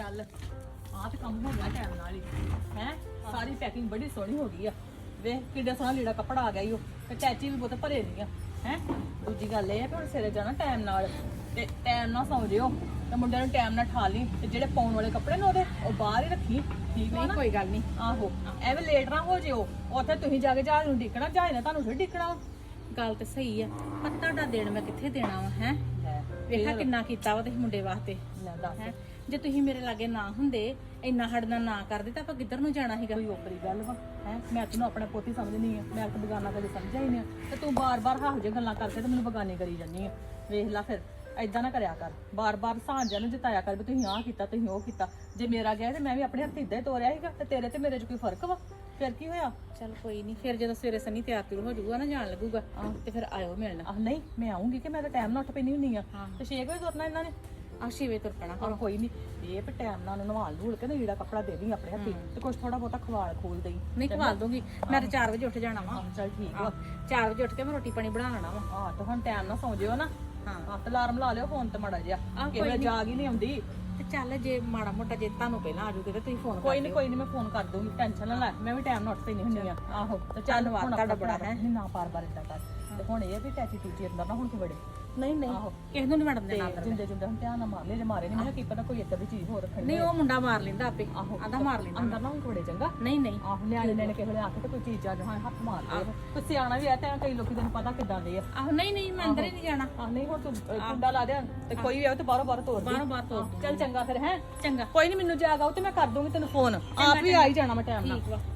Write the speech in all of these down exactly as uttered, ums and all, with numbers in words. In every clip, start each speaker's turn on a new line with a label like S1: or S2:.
S1: ਚੱਲ ਆਹ ਤੇ ਕੰਮ ਹੋ ਗਿਆ ਟਾਈਮ ਨਾਲ ਹੀ ਹੈ। ਸਾਰੀ ਪੈਕਿੰਗ ਬੜੀ ਸੋਹਣੀ ਹੋ ਗਈ ਆ। ਵੇਖ ਕਿੱਡਾ ਸੋਹਣਾ ਲੀੜਾ ਕੱਪੜਾ ਆ ਗਿਆ ਈ ਉਹ ਤੇ ਟੈਚੀ ਵੀ ਬਹੁਤ ਭਰੇ ਨਹੀਂ ਆ ਹੈ। ਦੂਜੀ ਗੱਲ ਇਹ ਆ ਕਿ ਹੁਣ ਸਵੇਰੇ ਜਾਣਾ ਟਾਈਮ ਨਾਲ ਤੇ ਟਾਈਮ ਨਾਲ ਸੌਂ ਜਿਓ ਤੇ ਮੁੰਡਿਆਂ ਨੂੰ ਟਾਈਮ ਨਾਲ ਠਾ ਲਈ ਤੇ ਜਿਹੜੇ ਪਾਉਣ ਵਾਲੇ ਕੱਪੜੇ ਨੇ ਉਹਦੇ ਉਹ ਬਾਹਰ ਹੀ ਰੱਖੀ। ਠੀਕ ਹੈ ਨਾ?
S2: ਕੋਈ ਗੱਲ ਨਹੀਂ।
S1: ਆਹੋ ਐਵੇਂ ਲੇਟ ਨਾ ਹੋ ਜਿਓ। ਉੱਥੇ ਤੁਸੀਂ ਜਾ ਕੇ ਜਹਾਜ਼ ਨੂੰ ਡਿੱਕਣਾ, ਜਹਾਜ਼ ਨੇ ਤੁਹਾਨੂੰ ਫਿਰ ਡਿੱਕਣਾ।
S2: ਗੱਲ ਤੇ ਸਹੀ ਆ, ਪਰ ਤੁਹਾਡਾ ਦੇਣ ਮੈਂ ਕਿੱਥੇ ਦੇਣਾ ਵਾ ਹੈ। ਵੇਖਾ ਕਿੰਨਾ ਕੀਤਾ ਵਾ ਤੁਸੀਂ ਮੁੰਡੇ ਵਾਸਤੇ ਹੈ। ਜੇ ਤੁਸੀਂ ਮੇਰੇ ਲਾਗੇ ਨਾ ਹੁੰਦੇ, ਇੰਨਾ ਹੜਨਾ ਨਾ ਕਰਦੇ ਤਾਂ ਆਪਾਂ ਕਿੱਧਰ ਨੂੰ ਜਾਣਾ ਸੀਗਾ।
S1: ਕੋਈ ਓਪਰੀ ਗੱਲ ਵਾ ਹੈ। ਮੈਂ ਤੈਨੂੰ ਆਪਣਾ ਪੋਤੀ ਸਮਝਣੀ ਆ, ਮੈਂ ਤਾਂ ਬਗਾਨਾ ਕਦੇ ਸਮਝਿਆ ਹੀ ਨਹੀਂ ਤੇ ਤੂੰ ਬਾਰ-ਬਾਰ ਹਾਹੋ ਜਿਹੇ ਗੱਲਾਂ ਕਰਕੇ ਤੇ ਮੈਨੂੰ ਬਗਾਨੇ ਕਰੀ ਜਾਂਦੀ ਆ। ਵੇਖ ਲੈ ਫਿਰ ਏਦਾਂ ਨਾ ਕਰਿਆ ਕਰ, ਬਾਰ-ਬਾਰ ਸਾਂਝਾਂ ਨੂੰ ਜਿਤਾਇਆ ਕਰ ਵੀ ਤੁਸੀਂ ਆਹ ਕੀਤਾ ਤੁਸੀਂ ਉਹ ਕੀਤਾ। ਜੇ ਮੇਰਾ ਗਿਆ ਤੇ ਮੈਂ ਵੀ ਆਪਣੇ ਹੱਥ ਇਦਾਂ ਹੀ ਤੋਰਿਆ ਸੀਗਾ ਤੇ ਤੇਰੇ ਤੇ ਮੇਰੇ 'ਚ ਕੋਈ ਫਰਕ ਵਾ? ਫਿਰ ਕੀ ਹੋਇਆ?
S2: ਚਲ ਕੋਈ ਨਹੀਂ, ਫਿਰ ਜਦੋਂ ਸਵੇਰੇ ਸਨੀ ਤਿਆਰ ਤਿਉਰ ਹੋ ਜਾਊਗਾ ਨਾ, ਜਾਣ ਲੱਗੂਗਾ ਤੇ ਫਿਰ ਆਇਓ ਮਿਲਣ।
S1: ਆਹ ਨਹੀਂ ਮੈਂ ਆਉਂਗੀ ਕਿ ਮੈਂ ਤਾਂ ਟਾਈਮ ਨਾਲ ਉੱਠ ਪੈਣੀ ਹੁੰਦੀ ਆ ਤੇ ਛੇ ਵਜੇ ਤੁਰਨਾ ਇਹਨਾਂ ਨੇ।
S2: ਆ ਛੇ ਵਜੇ ਤੁਰ ਪੈਣਾ।
S1: ਹਾਂ ਕੋਈ ਨਹੀਂ, ਇਹ ਵੀ ਟਾਈਮ ਨਾਲ ਉਹਨੂੰ ਨਵਾਲ ਧੂਲ ਕੇ ਨਾ ਲੀੜਾ ਕੱਪੜਾ ਦੇ ਦੀ ਆਪਣੇ ਹੱਥੀ ਤੇ ਕੁਛ ਥੋੜਾ ਬਹੁਤਾ ਖਵਾਲ ਖੋਲ ਦੇਈ।
S2: ਨਹੀਂ ਖਵਾਲ ਦੂੰਗੀ ਮੈਂ ਤਾਂ ਚਾਰ ਵਜੇ ਉੱਠ ਜਾਣਾ ਵਾ।
S1: ਚੱਲ ਠੀਕ ਵਾ।
S2: ਚਾਰ ਵਜੇ ਉੱਠ ਕੇ ਮੈਂ ਰੋਟੀ ਪਾਣੀ ਬਣਾ ਲੈਣਾ ਵਾ।
S1: ਹਾਂ ਤੇ ਹੁਣ ਟਾਈਮ ਨਾਲ ਸੌਂ ਜਿਓ ਨਾ। ਹਾਂ ਤੇ ਅਲਾਰਮ ਲਾ ਲਿਓ ਫੋਨ ਤੇ ਮਾੜਾ ਜਿਹਾ, ਕਿਵੇਂ ਜਾਗ ਹੀ ਨਹੀਂ ਆਉਂਦੀ।
S2: ਤੇ ਚੱਲ ਜੇ ਮਾੜਾ ਮੋਟਾ ਜੇ ਤੁਹਾਨੂੰ ਪਹਿਲਾਂ ਆ ਜੂਗੇ ਤੇ ਤੁਸੀਂ ਫੋਨ
S1: ਕੋਈ ਨਹੀਂ ਕੋਈ ਨਹੀਂ ਮੈਂ ਫੋਨ ਕਰ ਦੂੰਗੀ, ਟੈਨਸ਼ਨ ਨਾ ਲੈ। ਮੈਂ ਵੀ ਟਾਈਮ ਨਾਲ ਉੱਠ ਪੈਣੀ ਹੁੰਦੀ ਆ। ਆਹੋ ਤੇ ਚੱਲ ਹੁਣ ਤੁਹਾਡਾ ਬੜਾ ਹੈ ਨਾ ਬਾਰ ਬਾਰ ਇਦਾਂ ਕਰ। ਤੇ ਹੁਣ ਇਹ ਵੀ ਟੈਚੀ ਟੂਚੀ ਅੰਦਰ ਨਾ ਹੁਣ ਤੂੰ ਬੜੇ
S2: ਨਹੀਂ ਨਹੀਂ ਕਿਸੇ ਨੂੰ ਨਹੀਂ ਵੜਨ ਦੇਣਾ।
S1: ਜਿੰਦੇ ਜਿੰਦੇ ਹੁਣ ਧਿਆਨ ਨਾਲ ਮਾਰ ਲੈ, ਜੇ ਮਾਰੇ ਨਹੀਂ ਮੈਂ ਕੀ ਪਤਾ ਕੋਈ ਏਦਾਂ ਦੀ ਚੀਜ਼ ਹੋਰ ਰੱਖਣੀ।
S2: ਨਹੀਂ ਉਹ ਮੁੰਡਾ ਮਾਰ ਲੈਂਦਾ ਆਪੇ।
S1: ਆਹੋ
S2: ਆਂਦਾ ਮਾਰ ਲੈਂਦਾ
S1: ਅੰਦਰ ਨਾ ਹੁਣ ਬੜੇ ਚੰਗਾ।
S2: ਨਹੀਂ ਨਹੀਂ
S1: ਆਹੋ ਨਿਆਣੇ ਨੇ ਕਿਸੇ ਵੇਲੇ ਆਖੇ ਤੇ ਕੋਈ ਚੀਜ਼ ਆ ਜਾ ਹੱਥ ਮਾਰ ਦੇ। ਕੋਈ ਸਿਆਣਾ ਵੀ ਆ ਤੇ ਕਈ ਲੋਕੀ ਤੈਨੂੰ ਪਤਾ ਕਿੱਦਾਂ ਦੇ ਆ।
S2: ਆਹੋ ਨਹੀਂ ਨਹੀਂ ਮੈਂ ਅੰਦਰ ਹੀ ਨਹੀਂ ਜਾਣਾ।
S1: ਆਹ ਨਹੀਂ ਹੁਣ ਤੂੰ ਕੁੰਡਾ ਲਾ ਦੇ ਤੇ ਕੋਈ ਵੀ ਆਵੇ ਤੇ ਬਾਹਰੋਂ ਬਾਹਰ ਤੋੜ ਦੇ।
S2: ਬਾਹਰੋਂ ਬਾਹਰ ਤੋੜ
S1: ਚੱਲ ਚੰਗਾ ਫਿਰ ਹੈ।
S2: ਚੰਗਾ
S1: ਕੋਈ ਨਹੀਂ ਮੈਨੂੰ ਜਾਗ ਆਉ ਤੇ ਮੈਂ ਕਰ ਦੂੰਗੀ ਤੈਨੂੰ ਫੋਨ। ਆਪ ਵੀ ਆ ਹੀ ਜਾਣਾ ਮੈਂ ਟਾਈਮ ਨਾਲ।
S2: ਠੀਕ ਵਾ।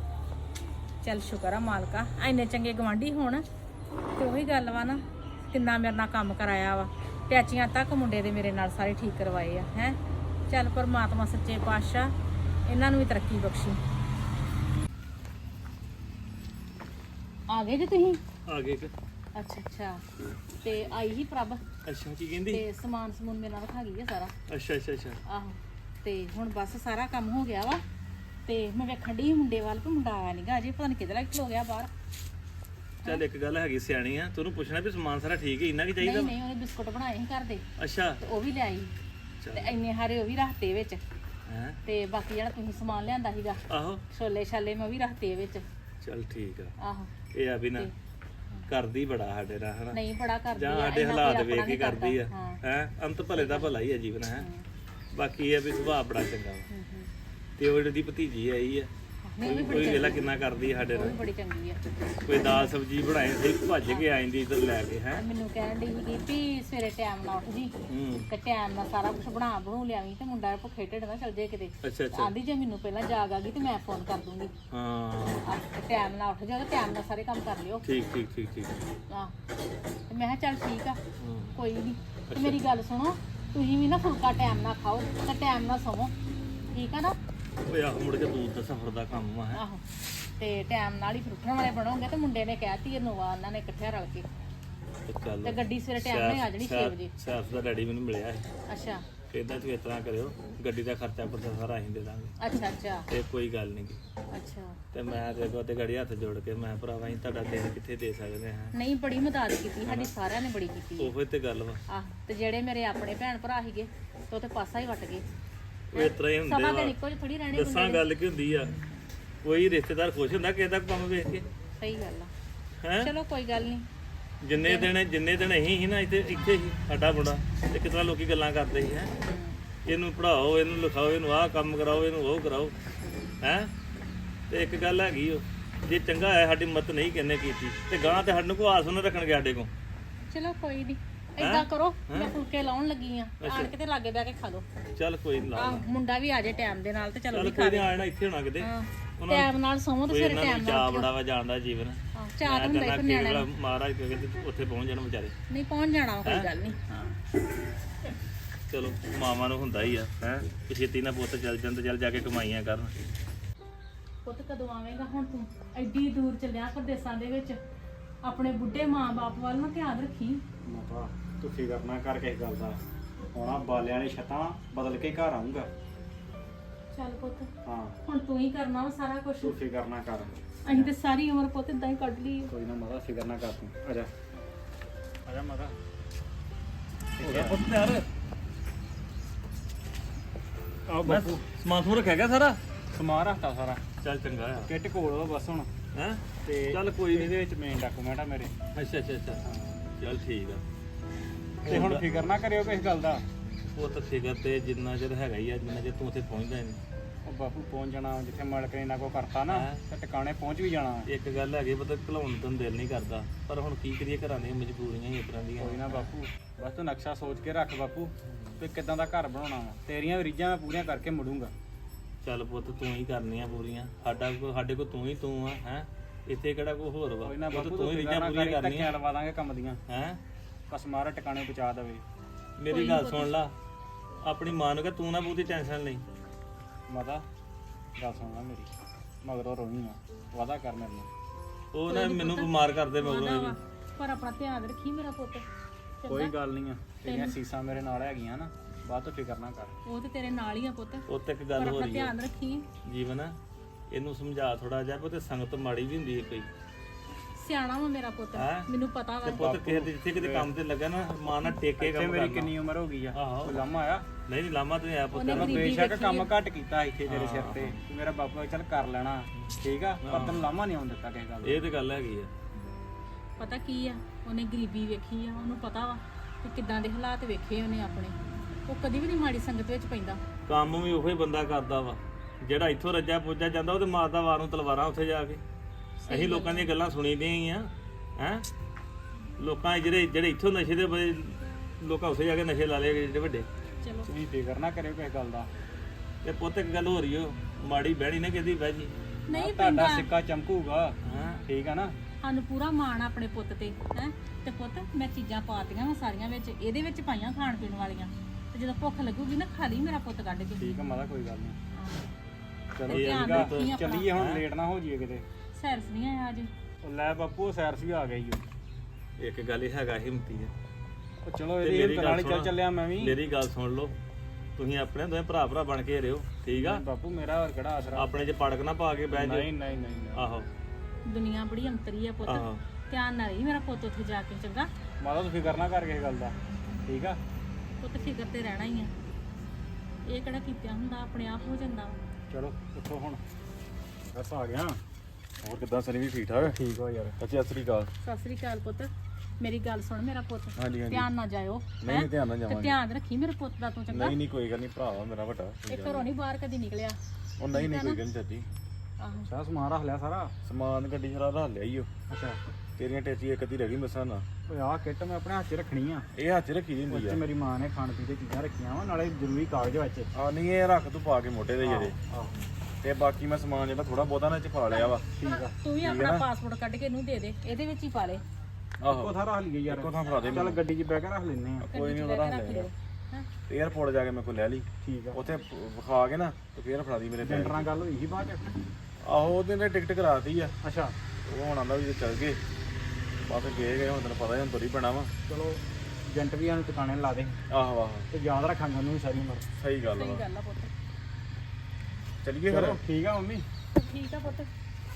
S2: ਚੱਲ ਸ਼ੁਕਰ ਆ ਮਾਲਕਾ ਐਨੇ ਚੰਗੇ ਗਵਾਂਢੀ ਹੋਣ ਤੇ ਉਹੀ ਗੱਲ ਵਾ ਨਾ, ਕਿੰਨਾ ਮੇਰੇ ਨਾਲ ਕੰਮ ਕਰਾਇਆ ਵਾ। ਟੈਚੀਆਂ ਤੱਕ ਮੁੰਡੇ ਦੇ ਮੇਰੇ ਨਾਲ ਸਾਰੇ ਠੀਕ ਕਰਵਾਏ ਆ ਹੈ। ਚੱਲ ਪਰਮਾਤਮਾ ਸੱਚੇ ਪਾਤਸ਼ਾਹ ਇਹਨਾਂ ਨੂੰ ਵੀ ਤਰੱਕੀ ਬਖਸ਼ੀ। ਆ ਗਏ ਜੀ ਤੁਸੀਂ?
S3: ਆ ਗਏ ਕਿ?
S2: ਅੱਛਾ ਅੱਛਾ ਤੇ ਆਈ ਹੀ ਪ੍ਰਭ
S3: ਅੱਛਾ ਕੀ ਕਹਿੰਦੀ?
S2: ਤੇ ਸਮਾਨ ਸਮੂਨ ਮੇਰੇ ਨਾਲ ਰਖਾ ਗਈ ਆ ਸਾਰਾ।
S3: ਅੱਛਾ ਅੱਛਾ ਅੱਛਾ
S2: ਆਹੋ ਤੇ ਹੁਣ ਬਸ ਸਾਰਾ ਕੰਮ ਹੋ ਗਿਆ ਵਾ ਤੇ ਮੈਂ ਵੇਖਣ ਡਈ ਮੁੰਡੇ ਵੱਲ ਕਿ ਮੁੰਡਾ ਆਇਆ ਨਹੀਂਗਾ ਅਜੇ, ਪਤਾ ਨਹੀਂ ਕਿਹਦੇ ਲੱਗ ਖਲੋ ਗਿਆ ਬਾਹਰ।
S3: ਚੱਲ ਇੱਕ ਗੱਲ ਹੈਗੀ ਸਿਆਣੀ ਆ, ਤੈਨੂੰ ਪੁੱਛਣਾ ਵੀ ਸਮਾਨ ਸਾਰਾ ਠੀਕ ਹੈ ਇੰਨਾ ਕੀ ਚਾਹੀਦਾ?
S2: ਨਹੀਂ ਨਹੀਂ ਉਹਨੇ ਬਿਸਕੁਟ ਬਣਾਏ ਸੀ ਘਰ ਦੇ
S3: ਅੱਛਾ
S2: ਤੇ ਉਹ ਵੀ ਲਿਆਈ ਤੇ ਇੰਨੇ ਹਾਰੇ ਉਹ ਵੀ ਰੱਖਤੇ ਵਿੱਚ
S3: ਹੈ।
S2: ਤੇ ਬਾਕੀ ਜਿਹੜਾ ਤੁਸੀਂ ਸਮਾਨ ਲਿਆਂਦਾ ਸੀਗਾ
S3: ਆਹੋ
S2: ਛੋਲੇ ਛਾਲੇ ਮੈਂ ਉਹ ਵੀ ਰੱਖਤੇ ਵਿੱਚ।
S3: ਚੱਲ ਠੀਕ ਆ।
S2: ਆਹੋ
S3: ਇਹ ਆ ਵੀ ਨਾ ਕਰਦੀ ਬੜਾ ਸਾਡੇ ਨਾਲ ਹਨਾ,
S2: ਨਹੀਂ ਬੜਾ ਕਰਦੀ
S3: ਜਾਂ
S2: ਆ,
S3: ਸਾਡੇ
S2: ਇੰਨਾ
S3: ਹਾਲਾਤ
S2: ਕੋਈ
S3: ਵੇਖ
S2: ਆਪਣਾ
S3: ਕੇ
S2: ਨੀ ਕਰਦਾ।
S3: ਕਰਦੀ ਆ
S2: ਹਾਂ।
S3: ਹੈ। ਅੰਤ ਭਲੇ ਦਾ ਭਲਾ ਹੀ ਆ ਜੀਵਨ ਹੈ। ਬਾਕੀ ਇਹ ਆ ਵੀ ਸੁਭਾਅ ਬੜਾ ਚੰਗਾ ਵਾ।
S2: ਹੂੰ, ਹੂੰ।
S3: ਤੇ ਉਹ ਜਿਹੜੀ ਭਤੀਜੀ ਆਈ ਆ
S2: ਨਹੀਂ, ਉਹ ਵੀ
S3: ਕੋਈ
S2: ਬੜੀ
S3: ਵੇਲਾ ਕਿੰਨਾ ਕਰਦੀ ਆ ਸਾਡੇ
S2: ਉਹ ਵੀ
S3: ਨਾਲ।
S2: ਬੜੀ ਚੰਗੀ ਆ।
S3: ਕੋਈ ਦਾਲ ਸਬਜੀ ਬਣਾਏ ਸੀ ਭੱਜ ਕੇ ਆ ਜਾਂਦੀ ਇੱਧਰ ਲੈ ਕੇ ਹੈ।
S2: ਮੈਨੂੰ ਕਹਿਣ ਡਈ ਸੀਗੀ ਵੀ ਸਵੇਰੇ ਟਾਈਮ ਨਾਲ ਉੱਠ ਜੀ
S3: ਹੂੰ
S2: ਤੇ ਟਾਈਮ ਨਾਲ ਸਾਰਾ ਕੁਝ ਬਣਾ ਬਣੂ ਲਿਆਵੀਂ ਤੇ ਮੁੰਡਾ ਭੁੱਖੇ ਢਿੱਡ ਨਾਲ ਚੱਲ ਜੇ ਕਿਤੇ।
S3: ਅੱਛਾ ਅੱਛਾ
S2: ਆਂਦੀ ਜੇ ਮੈਨੂੰ ਪਹਿਲਾਂ ਜਾਗ ਆ ਗਈ ਤੇ ਮੈਂ ਫੋਨ ਕਰ ਦੂੰਗੀ।
S3: ਹਾਂ
S2: ਟਾਈਮ ਨਾਲ ਉੱਠ ਜਾਓ ਤੇ ਟਾਈਮ ਨਾਲ ਸਾਰੇ ਕੰਮ ਕਰ ਲਿਓ।
S3: ਠੀਕ ਠੀਕ ਠੀਕ ਠੀਕ
S2: ਆਹ ਤੇ ਮੈਂ ਕਿਹਾ ਚੱਲ ਠੀਕ ਆ
S3: ਹਾਂ
S2: ਕੋਈ ਨਹੀਂ। ਤੇ ਮੇਰੀ ਗੱਲ ਸੁਣੋ, ਤੁਸੀਂ ਵੀ ਨਾ ਫੁਲਕਾ ਟਾਈਮ ਨਾਲ ਖਾਓ ਤੇ ਟਾਈਮ ਨਾਲ ਸੌਵੋ, ਠੀਕ ਆ ਨਾ?
S3: ਓਏ ਆਹ ਮੁੜ ਕੇ ਦੂਰ ਦਾ ਸਫ਼ਰ ਦਾ ਕੰਮ ਆ ਹੈ।
S2: ਆਹੋ ਤੇ ਟਾਈਮ ਨਾਲ ਹੀ ਫਿਰ ਉੱਠਣ ਵਾਲੇ ਬਣੋਗੇ। ਤੇ ਮੁੰਡੇ ਨੇ ਕਹਿਤੀ ਇਨੋਵਾ ਉਹਨਾਂ ਨੇ ਇਕੱਠੇ ਰਲ ਕੇ
S3: ਚੱਲ
S2: ਤੇ ਗੱਡੀ ਸਵੇਰੇ ਟਾਈਮ ਨਾਲ ਆ ਜਾਣੀ ਛੇ ਵਜੇ।
S3: ਸਿਆਸ ਦਾ ਡੈਡੀ ਮੈਨੂੰ ਮਿਲਿਆ ਸੀ,
S2: ਅੱਛਾ
S3: ਕਹਿੰਦਾ ਤੁਸੀਂ ਇਸ ਤਰ੍ਹਾਂ ਕਰਿਓ ਗੱਡੀ ਦਾ ਖਰਚਾ ਖੁਰਚਾ ਸਾਰਾ ਅਸੀਂ ਦੇ ਦਾਂਗੇ।
S2: ਅੱਛਾ ਅੱਛਾ
S3: ਤੇ ਕੋਈ ਗੱਲ ਨਹੀਂ।
S2: ਅੱਛਾ
S3: ਤੇ ਮੈਂ ਤੇ ਅੱਗੋਂ ਤੇ ਗੜੀ ਹੱਥ ਜੋੜ ਕੇ ਮੈਂ ਭਰਾਵਾ ਅਸੀਂ ਤੁਹਾਡਾ ਦਿਨ ਕਿੱਥੇ ਦੇ ਸਕਦੇ ਹਾਂ।
S2: ਨਹੀਂ ਬੜੀ ਮਦਦ ਕੀਤੀ ਸਾਡੀ, ਸਾਰਿਆਂ ਨੇ ਬੜੀ ਕੀਤੀ।
S3: ਉਹੋ ਤੇ ਗੱਲ ਵਾ।
S2: ਆਹ ਤੇ ਜਿਹੜੇ ਮੇਰੇ ਆਪਣੇ ਭੈਣ ਭਰਾ ਸੀਗੇ ਤੇ ਉਹ ਤੇ ਪਾਸਾ ਹੀ ਵੱਟ ਗਏ।
S3: ਉਹ ਇਸ ਤਰ੍ਹਾਂ ਹੀ ਹੁੰਦੇ
S2: ਸਮਾਂ
S3: ਵਾ।
S2: ਤੇ ਇੱਕੋ ਜਿਹੇ ਥੋੜੀ ਰਹਿਣੇ
S3: ਦੱਸਾਂ ਗੱਲ ਕੀ ਹੁੰਦੀ ਆ, ਕੋਈ ਰਿਸ਼ਤੇਦਾਰ ਖੁਸ਼ ਹੁੰਦਾ ਕਿਸੇ ਦਾ ਕੰਮ ਵੇਖ ਕੇ
S2: ਸਹੀ ਗੱਲ ਆ।
S3: ਹੈ।
S2: ਚਲੋ ਕੋਈ ਗੱਲ ਨਹੀਂ।
S3: ਜਿੰਨੇ ਦਿਨ ਜਿੰਨੇ ਦਿਨ ਅਸੀਂ ਸੀ ਨਾ ਇੱਥੇ ਇੱਥੇ ਹੀ ਸਾਡਾ ਮੁੰਡਾ ਤੇ ਕਿਤਨਾ ਲੋਕੀ ਗੱਲਾਂ ਕਰਦੇ ਸੀ ਹੈ। ਇਹਨੂੰ ਪੜਾਓ ਇਹਨੂੰ ਲਿਖਾਓ ਇਹਨੂੰ ਆਹ ਕੰਮ ਕਰਾਓ ਇਹਨੂੰ ਉਹ ਕਰਾਓ ਹੈ। ਤੇ ਇੱਕ ਗੱਲ ਹੈਗੀ ਉਹ ਜੇ ਚੰਗਾ ਹੈ ਸਾਡੀ ਮਦਦ ਨਹੀਂ ਕਿੰਨੇ ਕੀਤੀ ਤੇ ਗਾਂ ਤੇ ਸਾਨੂੰ ਕੋ ਆਸ ਉਹਨੇ ਰੱਖਣਗੇ ਸਾਡੇ ਕੋਲ।
S2: ਚਲੋ ਕੋਈ ਨਹੀਂ ਏਦਾਂ ਕਰੋ, ਮੈਂ ਫੁਲਕੇ ਲਾਉਣ ਲੱਗੀ ਆ, ਆਣ ਕੇ ਤੇ ਲਾਗੇ ਬਹਿ ਕੇ ਖਾ ਲਓ।
S3: ਚੱਲ ਕੋਈ ਨੀ ਲਾ
S2: ਆਹ ਮੁੰਡਾ ਵੀ ਆ ਜਾਏ ਟਾਈਮ ਦੇ ਨਾਲ ਤੇ ਚਲੋ
S3: ਚੱਲ
S2: ਵੀ
S3: ਕੋਈ
S2: ਖਾ
S3: ਨਹੀਂ ਆਣਾ ਇੱਥੇ ਹੋਣਾ ਕਿਤੇ।
S2: ਟਾਈਮ ਨਾਲ ਸੌਵੋ ਤੇ ਸਵੇਰੇ ਟਾਈਮ ਨਾਲ
S3: ਚਾਹ ਬੜਾ ਵਾ ਜਾਣਦਾ ਜੀਵਨ
S2: ਚਾਹ ਹੁੰਦਾ ਹੀ ਫਿਰ ਨਿਆਣਿਆਂ ਨੂੰ।
S3: ਮਹਾਰਾਜ ਕਹਿੰਦੇ ਉੱਥੇ ਪਹੁੰਚ ਜਾਣ ਵਿਚਾਰੇ।
S2: ਨਹੀਂ ਪਹੁੰਚ ਜਾਣਾ ਕੋਈ ਗੱਲ ਨਹੀਂ।
S3: ਹਾਂ ਚਲੋ ਮਾਵਾਂ ਨੂੰ ਹੁੰਦਾ ਹੀ ਆ ਹੈ ਕਿ ਛੇਤੀ ਨਾਲ ਪੁੱਤ ਚੱਲ ਜਾਣ ਤੇ ਚੱਲ ਜਾ ਕੇ ਕਮਾਈਆਂ ਕਰਨ।
S2: ਪੁੱਤ ਕਦੋਂ ਆਵੇਂਗਾ ਹੁਣ ਤੂੰ? ਐਡੀ ਦੂਰ ਚੱਲਿਆ ਪ੍ਰਦੇਸਾਂ ਦੇ ਵਿੱਚ, ਆਪਣੇ ਬੁੱਢੇ ਮਾਂ-ਬਾਪ ਵੱਲ ਨਾ ਧਿਆਨ ਰੱਖੀ।
S4: ਮਾਤਾ ਤੂੰ ਫਿਕਰ ਨਾ ਕਰ ਕਿਸੇ ਗੱਲ ਦਾ, ਹੁਣ ਆ ਬਾਲਿਆਂ ਵਾਲੀ ਛੱਤਾਂ ਬਦਲ ਕੇ ਘਰ ਆਉਂਗਾ।
S2: ਚੱਲ ਪੁੱਤ
S4: ਹਾਂ
S2: ਹੁਣ ਤੂੰ ਹੀ ਕਰਨਾ ਵਾ ਸਾਰਾ ਕੁਝ।
S4: ਤੂੰ ਫਿਕਰ ਨਾ ਕਰ,
S2: ਅਸੀਂ ਤੇ ਸਾਰੀ ਉਮਰ ਪੁੱਤ ਇਦਾਂ ਹੀ ਕੱਢ ਲਈ।
S4: ਕੋਈ ਨਾ ਮਾਤਾ ਫਿਕਰ ਨਾ ਕਰ ਤੂੰ। ਆਜਾ ਆਜਾ ਮਾਤਾ ਹੋ ਗਿਆ ਪੁੱਤ ਤਿਆਰ। ਆਹ
S3: ਮੈਂ
S4: ਬਾਪੂ
S3: ਸਮਾਨ ਸਮੂਨ ਰੱਖਿਆ ਗਿਆ ਸਾਰਾ
S4: ਸਮਾਨ ਰੱਖਤਾ ਸਾਰਾ
S3: ਚੱਲ ਚੰਗਾ ਆ
S4: ਕਿੱਟ ਕੋਲ ਵਾ ਬਸ ਹੁਣ
S3: ਹੈ
S4: ਤੇ
S3: ਚੱਲ ਕੋਈ ਨੀ।
S4: ਇਹਦੇ ਵਿੱਚ ਮੇਨ ਡਾਕੂਮੈਂਟ ਆ ਮੇਰੇ
S3: ਅੱਛਾ ਅੱਛਾ ਅੱਛਾ ਚੱਲ ਠੀਕ ਆ
S4: ਤੇ ਹੁਣ ਫਿਕਰ ਨਾ ਕਰਿਓ ਕਿਸ ਗੱਲ ਦਾ
S3: ਉਹ ਤਾਂ ਫਿਕਰ ਤੇ ਜਿੰਨਾ ਚਿਰ ਹੈਗਾ ਹੀ ਆ ਜਿੰਨਾ ਚਿਰ ਤੂੰ ਉੱਥੇ ਪਹੁੰਚਦਾ ਨਹੀਂ
S4: ਉਹ ਬਾਪੂ ਪਹੁੰਚ ਜਾਣਾ ਜਿੱਥੇ ਮਾਲਕ ਨੇ ਇਹਨਾਂ ਕੋ ਕਰਤਾ ਨਾ
S3: ਹੈਂ?
S4: ਤੇ ਟਿਕਾਣੇ ਪਹੁੰਚ ਵੀ ਜਾਣਾ
S3: ਇੱਕ ਗੱਲ ਹੈਗੀ ਪਤਾ ਘਲਾਉਣ ਨੂੰ ਦਿਲ ਨਹੀਂ ਕਰਦਾ ਪਰ ਹੁਣ ਕੀ ਕਰੀਏ ਘਰਾਂ ਦੀਆਂ ਮਜਬੂਰੀਆਂ ਹੀ ਇਸ ਤਰ੍ਹਾਂ ਦੀਆਂ
S4: ਕੋਈ ਨਾ ਬਾਪੂ ਬਸ ਤੂੰ ਨਕਸ਼ਾ ਸੋਚ ਕੇ ਰੱਖ ਬਾਪੂ ਤੇ ਕਿਦਾਂ ਦਾ ਘਰ ਬਣਾਉਣਾ ਵਾ ਤੇਰੀਆਂ ਵੀ ਰੀਝਾਂ ਮੈਂ ਪੂਰੀਆਂ ਕਰਕੇ ਮੁੜੂੰਗਾ
S3: ਚੱਲ ਪੁੱਤ ਤੂੰ ਹੀ ਕਰਨੀਆਂ ਪੂਰੀਆਂ ਸਾਡਾ ਕੋ ਸਾਡੇ ਕੋ ਤੂੰ ਹੀ ਤੂੰ ਆ ਹੈ ਇੱਥੇ ਕਿਹੜਾ ਕੋਈ ਹੋਰ ਵਾ
S4: ਕੋਈ ਨਾ
S3: ਉਹ ਤਾਂ
S4: ਬਾਪੂ
S3: ਤੂੰ
S4: ਤੂੰ
S3: ਹੀ
S4: ਰੀਝਾਂ
S3: ਰੀਝਾਂ ਪੂਰੀਆਂ
S4: ਪੂਰੀਆਂ
S3: ਕਰਨੀਆਂ
S4: ਲਵਾ ਦਾਂਗੇ ਕੰਮ ਦੀਆਂ
S3: ਹੈ
S4: ਬਸ ਮਾਰਾ ਟਿਕਾਣੇ ਪਹੁੰਚਾ ਦੇਵੇ
S3: ਮੇਰੀ ਗੱਲ ਸੁਣ ਲਾ ਆਪਣੀ ਮਾਂ ਨੂੰ ਕਹ ਤੂੰ ਨਾ ਬਹੁਤੀ ਟੈਨਸ਼ਨ ਲਈ
S4: ਮਾਤਾ ਗੱਲ ਸੁਣ ਲੈ ਮੇਰੀ ਮਗਰੋਂ ਰੋਈ ਆ ਵਾਦਾ ਕਰ ਮੇਰੇ ਨਾਲ
S3: ਉਹ ਨਾ ਮੈਨੂੰ ਬਿਮਾਰ ਕਰਦੇ ਮਗਰੋਂ
S2: ਵਾਦਾ
S3: ਵੀ
S2: ਵਾ, ਪਰ ਆਪਣਾ ਧਿਆਨ ਰੱਖੀ ਮੇਰਾ ਪੁੱਤ ਚੰਗਾ?
S4: ਕੋਈ ਗੱਲ ਨਹੀਂ ਆ ਤੇਰੀਆਂ ਸੀਸਾਂ ਮੇਰੇ ਨਾਲ ਹੈਗੀਆਂ ਨਾ ਬਾਅਦ ਤੋਂ ਫਿਕਰ ਨਾ ਕਰ
S2: ਉਹ ਤੇ ਤੇਰੇ ਨਾਲ ਹੀ ਆ ਪੁੱਤ,
S3: ਉਹ ਤੇ ਇੱਕ
S2: ਪਰ
S3: ਗੱਲ ਹੋ
S2: ਆਪਣਾ
S3: ਰਹੀ ਹੈ
S2: ਧਿਆਨ ਰੱਖੀ।
S3: ਜੀਵਨ ਇਹਨੂੰ ਸਮਝਾ ਥੋੜਾ ਜਿਹਾ ਪੁੱਤ ਸੰਗਤ ਮਾੜੀ ਵੀ ਹੁੰਦੀ ਹੈ ਕੋਈ
S2: ਸਿਆਣਾ ਵਾ ਮੇਰਾ ਪੁੱਤ,
S3: ਹੈਂ?
S2: ਮੈਨੂੰ ਪਤਾ
S3: ਤੇ
S2: ਵਾ।
S3: ਪੁੱਤ ਕਿਸੇ ਦੇ ਜਿੱਥੇ ਕਿਤੇ ਕੰਮ ਤੇ ਲੱਗਾ ਨਾ ਮਾਂ ਨਾਲ ਟੇਕੇ
S4: ਇੱਥੇ
S3: ਕੰਮ
S4: ਮੇਰੀ
S3: ਕਰਨਾ
S4: ਕਿੰਨੀ ਉਮਰ ਹੋ ਗਈ ਆ
S3: ਆਹੋ।
S4: ਕੋਈ ਲਾਮਾ ਆਇਆ
S3: ਨਹੀਂ ਨਹੀਂ ਲਾਮਾ ਤੇ ਆ ਪੁੱਤ
S2: ਉਹਨੇ
S4: ਮੈਂ
S2: ਗਰੀਬੀ
S4: ਬੇਸ਼ੱਕ
S2: ਵੇਖੀ
S4: ਕੰਮ
S2: ਆ।
S4: ਘੱਟ ਕੀਤਾ ਇੱਥੇ ਤੇਰੇ ਸਿਰ ਤੇ ਕਿ ਮੇਰਾ ਬਾਪੂ ਚੱਲ ਕਰ ਲੈਣਾ ਠੀਕ ਆ ਪਰ ਤੈਨੂੰ ਲਾਮਾ ਨਹੀਂ ਆਉਣ ਦਿੱਤਾ ਕਿਸੇ ਗੱਲ ਦਾ।
S3: ਇਹ ਤੇ ਗੱਲ ਹੈਗੀ ਆ
S2: ਪਤਾ ਕੀ ਆ, ਉਹਨੇ ਗਰੀਬੀ ਵੇਖੀ ਆ, ਉਹਨੂੰ ਪਤਾ ਵਾ ਕਿ ਕਿੱਦਾਂ ਦੇ ਹਾਲਾਤ ਵੇਖੇ ਉਹਨੇ ਆਪਣੇ। ਉਹ ਕਦੀ ਵੀ ਨਹੀਂ ਮਾੜੀ ਸੰਗਤ ਵਿੱਚ ਪੈਂਦਾ।
S3: ਕੰਮ ਵੀ ਉਹੀ ਬੰਦਾ ਕਰਦਾ ਵਾ ਜਿਹੜਾ ਇੱਥੋਂ ਰੱਜਾ ਪੁੱਜਾ ਜਾਂਦਾ ਉਹ ਤੇ ਮਾਰਦਾ ਵਾਰ ਨੂੰ ਤਲਵਾਰਾਂ ਉੱਥੇ ਜਾ ਕੇ ਅਸੀਂ ਲੋਕਾਂ ਦੀਆਂ ਗੱਲਾਂ ਸੁਣੀ ਦੀਆਂ ਹੀ ਆ ਹੈ ਲੋਕਾਂ ਦੇ ਜਿਹੜੇ ਜਿਹੜੇ ਇੱਥੋਂ ਨਸ਼ੇ ਦੇ ਬੜੇ ਲੋਕਾਂ ਉੱਥੇ ਜਾ ਕੇ ਨਸ਼ੇ ਲਾ ਲਏ ਜਿਹੜੇ ਵੱਡੇ
S2: ਚਲੋ
S4: ਤੁਸੀਂ ਫਿਕਰ ਨਾ ਕਰਿਓ ਕਿਸੇ ਗੱਲ ਦਾ
S3: ਤੇ ਪੁੱਤ ਇੱਕ ਗੱਲ ਹੋ ਰਹੀ ਓ ਮਾੜੀ ਬਹਿਣੀ ਨਾ ਕਿਹਦੀ ਬਹਿ ਜੀ
S2: ਨਹੀਂ
S4: ਤੁਹਾਡਾ
S2: ਪੈਂਦਾ,
S4: ਸਿੱਕਾ ਚਮਕੂਗਾ
S3: ਹਾਂ
S4: ਠੀਕ ਆ ਨਾ
S2: ਸਾਨੂੰ ਪੂਰਾ ਮਾਣ ਆ ਆਪਣੇ ਪੁੱਤ ਤੇ ਹੈ। ਤੇ ਪੁੱਤ ਮੈਂ ਚੀਜ਼ਾਂ ਪਾਤੀਆਂ ਵਾ ਸਾਰੀਆਂ ਵਿੱਚ, ਇਹਦੇ ਵਿੱਚ ਪਾਈਆਂ ਖਾਣ ਪੀਣ ਵਾਲੀਆਂ, ਤੇ ਜਦੋਂ ਭੁੱਖ ਲੱਗੂਗੀ ਨਾ ਖਾ ਲਈ ਮੇਰਾ ਪੁੱਤ ਕੱਢ ਕੇ।
S4: ਠੀਕ ਆ ਮਾਤਾ ਕੋਈ ਗੱਲ ਨਹੀਂ ਚਲੋ
S3: ਇਹ
S2: ਧਿਆਨ
S4: ਠੀਕ ਆ
S2: ਰੱਖੀ ਆਪਣਾ।
S4: ਚੱਲੀਏ ਹੁਣ ਲੇਟ ਨਾ ਹੋ ਜਾਈਏ ਕਿਤੇ
S2: ਸੈਰਸ ਨਹੀਂ ਆਇਆ ਅੱਜ।
S4: ਉਹ ਲੈ ਬਾਪੂ ਉਹ ਸੈਰਸ ਵੀ ਆ ਗਈ ਓ
S3: ਇੱਕ ਗੱਲ ਇਹ ਹੈਗਾ ਹਿੰਮਤੀ ਹੈ
S4: ਉਹ ਚਲੋ
S3: ਤੇ
S4: ਇਹਦੀ
S3: ਮੇਰੀ
S4: ਹਿੰਮਤ
S3: ਗੱਲ
S4: ਨਾਲ ਹੀ ਚੱਲ
S3: ਸੁਣ।
S4: ਚੱਲਿਆ ਮੈਂ ਵੀ
S3: ਮੇਰੀ ਗੱਲ ਸੁਣ ਲਓ ਤੁਸੀਂ ਆਪਣੇ ਦੋਵੇਂ ਭਰਾ ਭਰਾ ਬਣ ਕੇ ਰਹੋ ਠੀਕ ਆ
S4: ਬਾਪੂ ਮੇਰਾ ਹੋਰ ਕਿਹੜਾ ਆਸਰਾ
S3: ਆਪਣੇ ਚ ਪੜਕ ਨਾ ਪਾ ਕੇ ਬਹਿ ਜਾਓ
S4: ਨਹੀਂ ਨਹੀਂ ਨਹੀਂ ਨਹੀਂ।
S3: ਆਹੋ
S2: ਦੁਨੀਆ ਬੜੀ ਅੰਤਰੀ ਆ ਪੁੱਤ,
S3: ਆਹੋ
S2: ਧਿਆਨ ਨਾਲ ਰਹੀ ਮੇਰਾ ਪੁੱਤ ਉੱਥੇ ਜਾ ਕੇ। ਚੰਗਾ
S4: ਮਾਤਾ ਤੂੰ ਫਿਕਰ ਨਾ ਕਰ ਕਿਸੇ ਗੱਲ ਦਾ ਠੀਕ ਆ
S2: ਪੁੱਤ ਫਿਕਰ ਤੇ ਰਹਿਣਾ ਹੀ ਆ, ਇਹ ਕਿਹੜਾ ਕੀਤਾ ਹੁੰਦਾ, ਆਪਣੇ ਆਪ ਹੋ ਜਾਂਦਾ ਵਾ।
S4: ਚਲੋ ਉੱਠੋ ਹੁਣ ਬਸ ਆ ਗਿਆ
S5: ਹੋਰ ਕਿੱਦਾਂ ਸਨੀ ਵੀ ਠੀਕ ਠਾਕ
S4: ਠੀਕ ਹੋ ਯਾਰ
S5: ਅੱਛਾ ਸ੍ਰੀ ਅਕਾਲ
S2: ਸਤਿ ਸ੍ਰੀ ਅਕਾਲ ਪੁੱਤ, ਮੇਰੀ ਗੱਲ ਸੁਣ ਮੇਰਾ ਪੁੱਤ,
S5: ਹਾਂਜੀ ਹਾਂਜੀ
S2: ਧਿਆਨ ਨਾਲ ਜਾਇਓ
S5: ਨਹੀਂ
S2: ਹੈਂ?
S5: ਨਹੀਂ ਧਿਆਨ ਨਾਲ
S2: ਤੇ
S5: ਜਾਵਾਂਗੇ
S2: ਧਿਆਨ ਰੱਖੀ ਮੇਰੇ ਪੁੱਤ ਦਾ ਤੂੰ। ਚੰਗਾ
S5: ਨਹੀਂ ਨਹੀਂ ਕੋਈ ਗੱਲ ਨਹੀਂ ਭਰਾਵਾ ਮੇਰਾ ਵੱਡਾ
S2: ਇਹ ਘਰੋਂ ਨਹੀਂ ਬਾਹਰ ਕਦੀ ਨਿਕਲਿਆ।
S5: ਉਹ ਨਹੀਂ ਨਹੀਂ ਕੋਈ ਗੱਲ ਨਹੀਂ ਚਾਚੀ
S2: ਆਹੋ
S4: ਸਾਰਾ ਸਮਾਨ ਰੱਖ ਲਿਆ ਸਾਰਾ
S5: ਸਮਾਨ ਗੱਡੀ ਸਾਰਾ ਰੱਖ ਲਿਆ ਈ ਓ
S4: ਅੱਛਾ
S5: ਤੇਰੀਆਂ ਟੈਚੀ ਇੱਕ ਅੱਧੀ ਰਹਿ ਗਈ ਮਸਾਂ ਨਾ
S4: ਓਏ ਆਹ ਕਿੱਟ ਮੈਂ ਆਪਣੇ ਹੱਥ 'ਚ ਰੱਖਣੀ ਆ
S5: ਇਹ ਹੱਥ 'ਚ ਰੱਖੀ ਦੀ ਹੁੰਦੀ
S4: ਉੱਥੇ
S5: ਆ
S4: ਮੇਰੀ ਮਾਂ ਨੇ ਖਾਣ ਪੀਣ ਦੀਆਂ ਚੀਜ਼ਾਂ ਰੱਖੀਆਂ ਵਾ ਨਾਲੇ ਜ਼ਰੂਰੀ ਕਾਗਜ਼ ਵਿੱਚ
S5: ਆ ਨਹੀਂ ਇਹ ਰੱਖ ਤੂੰ ਪਾ ਕੇ ਮੋਢੇ ਦੇ ਜਿਹੜੇ
S4: ਆਹੋ
S5: ਤੇ ਬਾਕੀ ਮੈਂ ਸਮਾਨ ਜਿਹੜਾ ਥੋੜਾ ਬਹੁਤਾ ਨਾ ਚ ਪਾ ਲਿਆ ਵਾ
S4: ਠੀਕ ਆ
S2: ਤੂੰ ਵੀ ਆਪਣਾ ਪਾਸਪੋਰਟ ਕੱਢ ਕੇ ਇਹਨੂੰ ਦੇ ਦੇ, ਇਹਦੇ ਵਿੱਚ ਹੀ ਪਾ ਲੈ।
S5: ਆਹੋ
S4: ਕੋਥਾ ਰੱਖ ਲਈਏ ਯਾਰ
S5: ਇੱਕੋ ਥਾਂ ਫੜਾ ਦੇ
S4: ਚੱਲ ਗੱਡੀ 'ਚ ਬਹਿ ਕੇ ਰੱਖ ਲੈਨੇ ਆ
S5: ਕੋਈ ਨਹੀਂ ਉਹਦਾ ਰੱਖ ਲਿਆ
S2: ਹੈਂ?
S5: 에어ਪੋਰਟ ਜਾ ਕੇ ਮੈਂ ਕੋਲ ਲੈ ਲਈ
S4: ਠੀਕ ਆ
S5: ਉੱਥੇ ਵਿਖਾ ਕੇ ਨਾ ਤੇ ਫੇਰ ਫੜਾ ਦੀ ਮੇਰੇ ਬੈਗ
S4: ਜੰਟਰ ਨਾਲ ਗੱਲ ਹੋਈ ਸੀ ਬਾਅਦ 'ਚ
S5: ਆਹੋ ਉਹਦੇ ਨੇ ਟਿਕਟ ਕਰਾਤੀ ਆ
S4: ਅੱਛਾ
S5: ਉਹ ਹੁਣ ਆਂਦਾ ਵੀ ਜੇ ਚੱਲ ਗਏ ਬਸ ਗਏ ਗਏ ਹੁਣ ਤੈਨੂੰ ਪਤਾ ਹੀ ਹੁਣ ਤੁਰ ਹੀ ਪੈਣਾ ਵਾ
S4: ਚਲੋ ਏਜੰਟ ਵੀ ਸਾਨੂੰ ਟਿਕਾਣੇ ਲਾ ਦੇ
S5: ਆਹੋ ਆਹੋ
S4: ਤੇ ਯਾਦ ਰੱਖਾਂਗੇ ਉਹਨੂੰ ਵੀ ਸਾਰੀ ਉਮਰ
S5: ਸਹੀ ਗੱਲ
S2: ਸਹੀ
S5: ਵਾ
S2: ਗੱਲ ਆ ਪੁੱਤ।
S5: ਚੱਲੀਏ ਫਿਰ
S4: ਚਲੋ ਠੀਕ ਆ ਮੰਮੀ
S2: ਠੀਕ ਆ ਪੁੱਤ।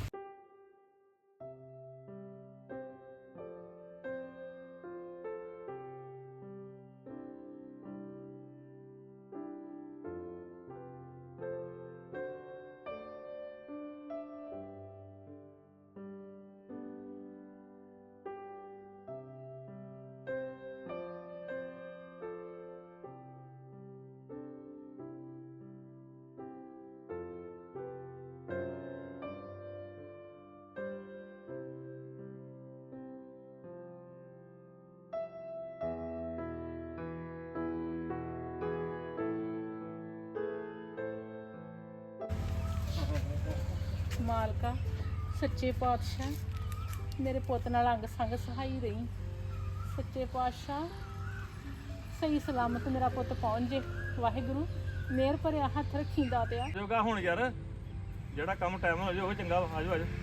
S2: ਮਾਲਕਾ ਸੱਚੇ ਪਾਤਸ਼ਾਹ ਮੇਰੇ ਪੁੱਤ ਨਾਲ ਅੰਗ ਸੰਗ ਸਹਾਈ ਰਹੀ। ਸੱਚੇ ਪਾਤਸ਼ਾਹ ਸਹੀ ਸਲਾਮਤ ਮੇਰਾ ਪੁੱਤ ਪਹੁੰਚ ਜੇ। ਵਾਹਿਗੁਰੂ ਮਿਹਰ ਭਰਿਆ ਹੱਥ ਰੱਖੀ ਦਾਤਿਆ।
S3: ਜੋਗਾ ਹੁਣ ਯਾਰ ਜਿਹੜਾ ਕੰਮ ਟਾਈਮ ਨਾਲ ਹੋ ਜਾਏ ਉਹ ਚੰਗਾ ਵਾ। ਆਜੋ ਆਜੋ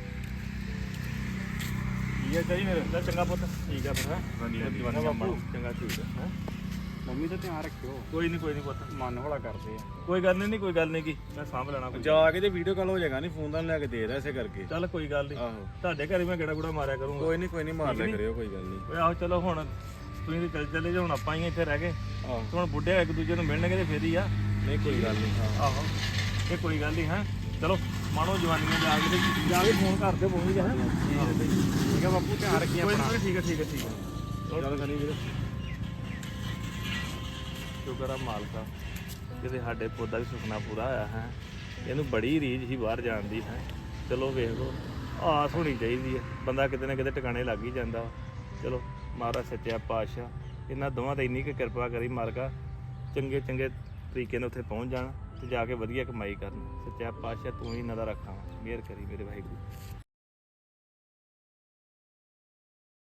S5: ਠੀਕ ਹੈ ਚਾਹੀ ਫਿਰ
S3: ਚੱਲ ਚੰਗਾ ਪੁੱਤ ਠੀਕ ਆ ਫਿਰ ਹੈਂ?
S5: ਹਾਂਜੀ, ਹਾਂਜੀ।
S3: ਦੀਵਾਨੀ ਕੰਮ ਚੰਗਾ ਠੀਕ ਆ ਹੈਂ?
S4: ਮੰਮੀ ਦਾ ਧਿਆਨ ਰੱਖਿਓ
S3: ਕੋਈ ਨਹੀਂ ਕੋਈ ਨਹੀਂ ਪੁੱਤ
S4: ਮਨ ਹੌਲਾ ਕਰਦੇ ਆ
S3: ਕੋਈ ਗੱਲ ਨਹੀਂ ਕੋਈ ਗੱਲ ਨਹੀਂ ਕੀ ਮੈਂ ਸਾਂਭ ਲੈਣਾ ਕੋਈ
S5: ਜਾ ਕੇ ਤੇ ਵੀਡੀਓ ਕਾਲ ਹੋ ਜਾਏਗਾ ਨਹੀਂ ਫੋਨ ਤਾਂ ਲੈ ਕੇ ਦੇ ਰਿਹਾ ਇਸੇ ਕਰਕੇ
S3: ਚੱਲ ਕੋਈ ਗੱਲ ਨਹੀਂ
S5: ਆਹੋ
S3: ਤੁਹਾਡੇ ਘਰੇ ਮੈਂ ਗੇੜਾ ਗੁੜਾ ਮਾਰਿਆ ਕਰੂੰਗਾ
S5: ਕੋਈ ਨਹੀਂ ਕੋਈ ਨਹੀਂ ਮਾਰ ਲਿਆ ਕਰਿਓ ਕੋਈ ਗੱਲ ਨਹੀਂ
S3: ਓਏ ਆਹੋ ਚਲੋ ਹੁਣ ਤੁਸੀਂ ਤੇ ਚੱਲ ਚੱਲੇ ਜੇ ਹੁਣ ਆਪਾਂ ਹੀ ਇੱਥੇ ਰਹਿ ਗਏ
S5: ਆਹੋ
S3: ਤੇ ਹੁਣ ਬੁੱਢੇ ਇੱਕ ਦੂਜੇ ਨੂੰ ਮਿਲਣਗੇ ਤੇ ਫੇਰ ਹੀ ਆ ਨਹੀਂ ਕੋਈ ਗੱਲ ਨਹੀਂ ਹਾਂ ਆਹੋ ਇਹ ਕੋਈ ਗੱਲ ਨਹੀਂ ਹੈ ਚਲੋ ਮਾਣੋ ਜਵਾਨੀਆਂ ਜਾ ਕੇ ਤੇ ਜਾ ਕੇ ਫੋਨ ਕਰ ਦਿਓ ਪਹੁੰਚ ਗਿਆ
S5: ਠੀਕ ਹੈ ਬਾਪੂ ਧਿਆਨ ਰੱਖੀ
S3: ਕੋਈ
S5: ਆਪਣਾ
S3: ਨਹੀਂ ਠੀਕ ਹੈ ਠੀਕ ਹੈ ਠੀਕ ਹੈ
S5: ਚੱਲ ਕਰੀ ਵੀਰੇ
S3: ਸ਼ੁਕਰ ਆ ਮਾਲਕਾ ਕਿਤੇ ਸਾਡੇ ਪੁੱਤ ਦਾ ਵੀ ਸੁਪਨਾ ਪੂਰਾ ਹੋਇਆ ਹੈ ਇਹਨੂੰ ਬੜੀ ਰੀਝ ਸੀ ਬਾਹਰ ਜਾਣ ਦੀ ਹੈ ਚਲੋ ਵੇਖ ਲਓ ਆਸ ਹੋਣੀ ਚਾਹੀਦੀ ਹੈ ਬੰਦਾ ਕਿਤੇ ਨਾ ਕਿਤੇ ਟਿਕਾਣੇ ਲੱਗ ਹੀ ਜਾਂਦਾ ਵਾ। ਚਲੋ ਮਹਾਰਾਜ ਸੱਚਾ ਪਾਤਸ਼ਾਹ ਇਹਨਾਂ ਦੋਵਾਂ ਤੇ ਇੰਨੀ ਕੁ ਕਿਰਪਾ ਕਰੀ ਮਾਲਕਾ ਚੰਗੇ ਚੰਗੇ ਤਰੀਕੇ ਨਾਲ ਉੱਥੇ ਪਹੁੰਚ ਜਾਣ ਤੇ ਜਾ ਕੇ ਵਧੀਆ ਕਮਾਈ ਕਰਨ ਸੱਚਾ ਪਾਤਸ਼ਾਹ ਤੂੰ ਹੀ ਇਹਨਾਂ ਦਾ ਰੱਖਾਂ ਮਿਹਰ ਕਰੀ ਮੇਰੇ ਵਾਹਿਗੁਰੂ।